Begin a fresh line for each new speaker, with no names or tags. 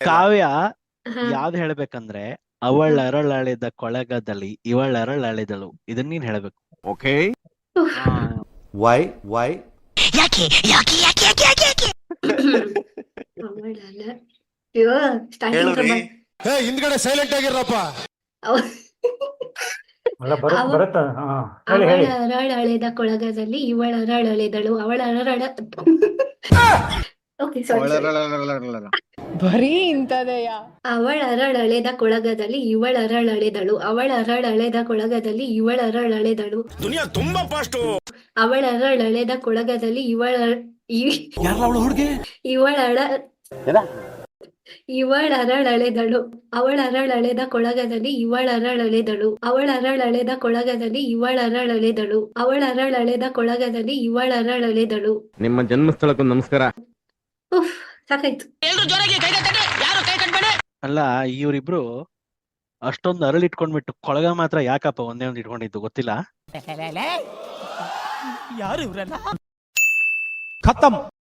ಕಾವ್ಯ
ಹಾ
ಯಾವ್ದು ಹೇಳ್ಬೇಕಂದ್ರೆ ಅವಳರಳಳಿದ ಕೊಳಗದಲ್ಲಿ ಇವಳರಳಳಿದಳು ಇದನ್ನ ನೀನ್ ಹೇಳ್ಬೇಕು.
ಓಕೆ.
ಉಫ್.
ವೈ
ಅವಳಲ್ಲ ಅಯ್ಯೋ ಸ್ಟಾರ್ಟಿಂಗ್
ಹಿಂದ್ಗಡೆ ಸೈಲೆಂಟ್ ಆಗಿರಪ್ಪ.
ಅಲ್ಲ
ಅವ
ಬರುತ್ತ ಹೇಳಿ ಹೇಳಿ.
ಅವಳರಳಳೆದ ಕೊಳಗದಲ್ಲಿ ಇವಳರಳಳೆದಳು ಅವಳರಳ ಓಕೆ ಸಾರಿ
ಬರೀ ಇಂಥದೆಯ.
ಅವಳರಳಳೆದ ಕೊಳಗದಲ್ಲಿ ಇವಳರಳಳೆದಳು ಅವಳರಳಳೆದ ಕೊಳಗದಲ್ಲಿ ಇವಳರಳಳೆದಳು
ದುನಿಯಾ ತುಂಬಾ ಫಾಸ್ಟ್.
ಅವಳರಳಳೆದ ಕೊಳಗದಲ್ಲಿ ಇವಳಳ ಇವಳರಳೆದಳು ಅವಳರಳೆದ ಕೊಳಗದಲ್ಲಿ ಇವಳರಳೆದಳು ಅವಳರಳೆದ ಕೊಳಗದಲ್ಲಿ ಇವಳರಳೆದಳು ಅವಳರಳೆದ ಕೊಳಗದಲ್ಲಿ ಇವಳರಳೆದಳು.
ನಿಮ್ಮ ಜನ್ಮಸ್ಥಳಕ್ಕೂ ನಮಸ್ಕಾರ.
ಉಫ್ ಸಾಕಾಯ್ತು.
ಅಲ್ಲ ಇವ್ರಿಬ್ರು ಅಷ್ಟೊಂದು ಅರಳು ಇಟ್ಕೊಂಡ್ಬಿಟ್ಟು ಕೊಳಗ ಮಾತ್ರ ಯಾಕಪ್ಪ ಒಂದೇ ಒಂದು ಇಟ್ಕೊಂಡಿದ್ದು ಗೊತ್ತಿಲ್ಲ.
ಯಾರು ಇವರೆಲ್ಲ ಖತಮ್.